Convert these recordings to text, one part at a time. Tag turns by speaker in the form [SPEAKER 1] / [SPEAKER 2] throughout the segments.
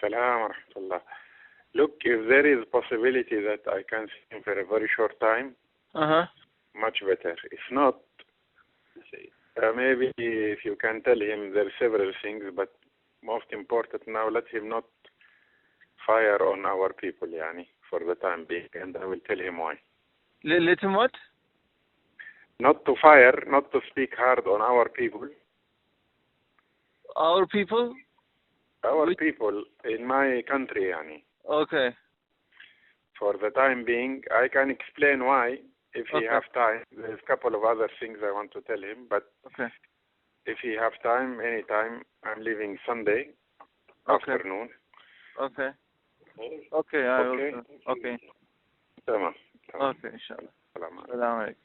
[SPEAKER 1] Salam wa rahmatullah. Look, if there is possibility that I can see him for a very short time, much better. If not, maybe if you can tell him there are several things, but most important now, let him not fire on our people, yani, for the time being, and I will tell him why.
[SPEAKER 2] Let him what?
[SPEAKER 1] Not to fire, not to speak hard on our people.
[SPEAKER 2] Our people?
[SPEAKER 1] Our people in my country, yani.
[SPEAKER 2] Okay.
[SPEAKER 1] For the time being, I can explain why if he have time. There's a couple of other things I want to tell him, but if he have time, anytime, I'm leaving Sunday afternoon.
[SPEAKER 2] Okay.
[SPEAKER 1] Tamam.
[SPEAKER 2] Okay, inşallah. Selamünaleyküm.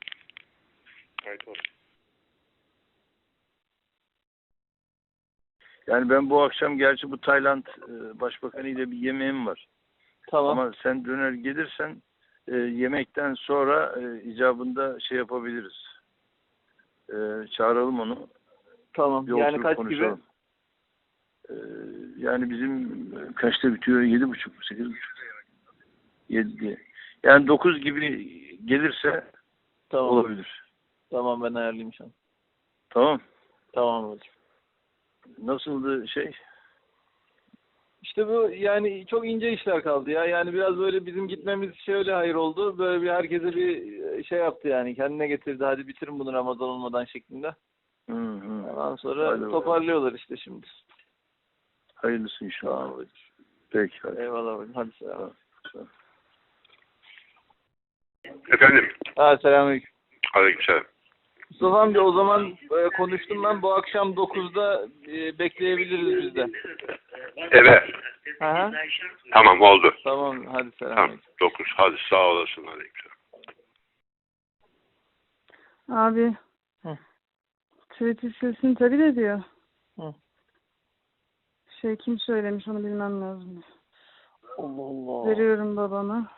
[SPEAKER 3] Yani ben bu akşam gerçi bu Tayland Başbakanı ile bir yemeğim var.
[SPEAKER 2] Tamam.
[SPEAKER 3] Ama sen döner gelirsen yemekten sonra icabında şey yapabiliriz. Çağıralım onu.
[SPEAKER 2] Tamam.
[SPEAKER 3] Bir
[SPEAKER 2] Yani kaç
[SPEAKER 3] konuşalım. Yani bizim kaçta bitiyor? 7.30 mu? 8.30? 7 Yani 9 gibi gelirse olabilir.
[SPEAKER 2] Tamam, ben ayarlayayım şu an.
[SPEAKER 3] Tamam.
[SPEAKER 2] Tamam hocam.
[SPEAKER 3] Nasıldı şey?
[SPEAKER 2] İşte bu yani çok ince işler kaldı ya. Yani biraz böyle bizim gitmemiz şöyle hayır oldu. Böyle bir herkese bir şey yaptı yani. Kendine getirdi. Hadi bitirin bunu Ramazan olmadan şeklinde. Ondan sonra toparlıyorlar işte şimdi.
[SPEAKER 3] Hayırlısı inşallah.
[SPEAKER 2] Tamam hocam.
[SPEAKER 3] Peki. Hadi.
[SPEAKER 2] Eyvallah hocam. Hadi selam.
[SPEAKER 1] Efendim?
[SPEAKER 2] Selamünaleyküm.
[SPEAKER 1] Aleykümselam.
[SPEAKER 2] Mustafa amca, o zaman konuştum ben. Bu akşam 9'da bekleyebiliriz biz de.
[SPEAKER 1] Evet.
[SPEAKER 2] Aha.
[SPEAKER 1] Tamam, oldu.
[SPEAKER 2] Tamam, hadi selam.
[SPEAKER 1] Tamam, 9. Hadi sağ olasın. Aleykümselam.
[SPEAKER 4] Abi. Twitter silsin tabii de diyor. Kim söylemiş onu bilmem lazım.
[SPEAKER 2] Allah Allah.
[SPEAKER 4] Veriyorum babana.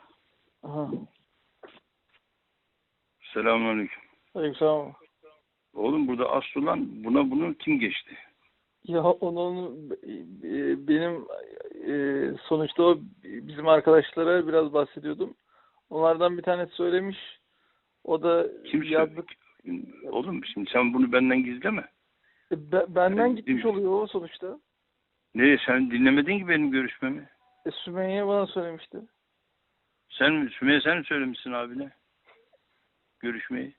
[SPEAKER 3] Selamünaleyküm.
[SPEAKER 2] Aleykümselam.
[SPEAKER 3] Oğlum burada asıl olan bunu kim geçti?
[SPEAKER 2] Ya onun benim sonuçta o bizim arkadaşlara biraz bahsediyordum. Onlardan bir tanesi söylemiş. O da
[SPEAKER 3] Kim yazdık. Oğlum şimdi sen bunu benden gizleme.
[SPEAKER 2] Benden gitmiş oluyor o sonuçta.
[SPEAKER 3] Nereye, sen dinlemedin ki benim görüşmemi?
[SPEAKER 2] Sümeyye bana söylemişti.
[SPEAKER 3] Sümeyye sen mi söylemişsin abine? Görüşmeyi.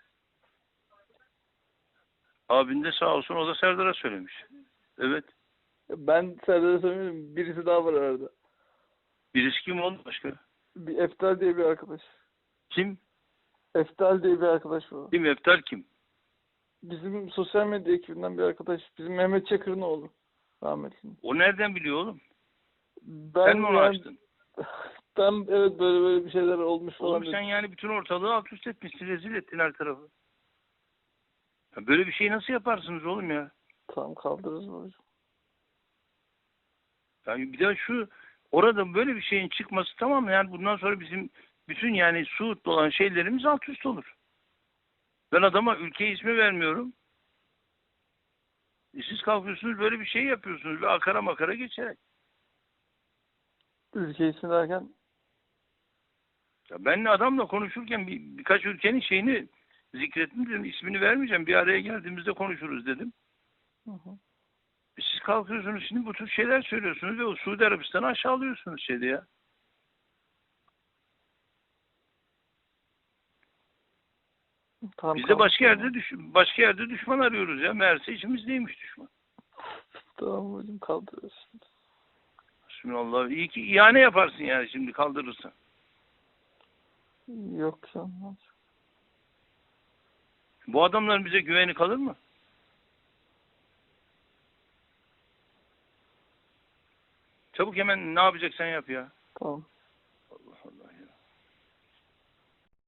[SPEAKER 3] Abin de sağ olsun, o da Serdar'a söylemiş. Evet.
[SPEAKER 2] Ben Serdar'a söylemedim. Birisi daha var arada.
[SPEAKER 3] Birisi kim oldu başka?
[SPEAKER 2] Bir Eftal diye bir arkadaş.
[SPEAKER 3] Kim?
[SPEAKER 2] Eftal diye bir arkadaş var.
[SPEAKER 3] Kim? Eftal kim?
[SPEAKER 2] Bizim sosyal medya ekibinden bir arkadaş. Bizim Mehmet Çakır'ın oğlu. Rahmetli.
[SPEAKER 3] O nereden biliyor oğlum?
[SPEAKER 2] Sen
[SPEAKER 3] mi onu açtın?
[SPEAKER 2] Ben evet böyle bir şeyler olmuş falan.
[SPEAKER 3] Oğlum sen yani bütün ortalığı alt üst etmişsin, rezil ettin her tarafı. Ya böyle bir şey nasıl yaparsınız oğlum ya?
[SPEAKER 2] Tamam, kaldırırız hocam.
[SPEAKER 3] Yani bir daha orada böyle bir şeyin çıkması, tamam mı? Yani bundan sonra bizim bütün yani Suud'da olan şeylerimiz alt üst olur. Ben adama ülke ismi vermiyorum. Siz kalkıyorsunuz böyle bir şey yapıyorsunuz ve akara makara geçerek.
[SPEAKER 2] Ülke ismi derken?
[SPEAKER 3] Ya ben adamla konuşurken birkaç ülkenin şeyini zikrettim dedim. İsmini vermeyeceğim. Bir araya geldiğimizde konuşuruz dedim. Siz kalkıyorsunuz şimdi bu tür şeyler söylüyorsunuz ve o Suudi Arabistan'ı aşağılıyorsunuz şeyde ya.
[SPEAKER 2] Tamam,
[SPEAKER 3] biz de başka yerde düşman arıyoruz ya. Meğerse içimizdeymiş düşman.
[SPEAKER 2] Tamam hocam, kaldırırız.
[SPEAKER 3] Bismillah. İyi ki ihane yaparsın yani şimdi kaldırırsan.
[SPEAKER 2] Yok canım.
[SPEAKER 3] Bu adamların bize güveni kalır mı? Çabuk hemen ne yapacaksan yap ya.
[SPEAKER 2] Tamam.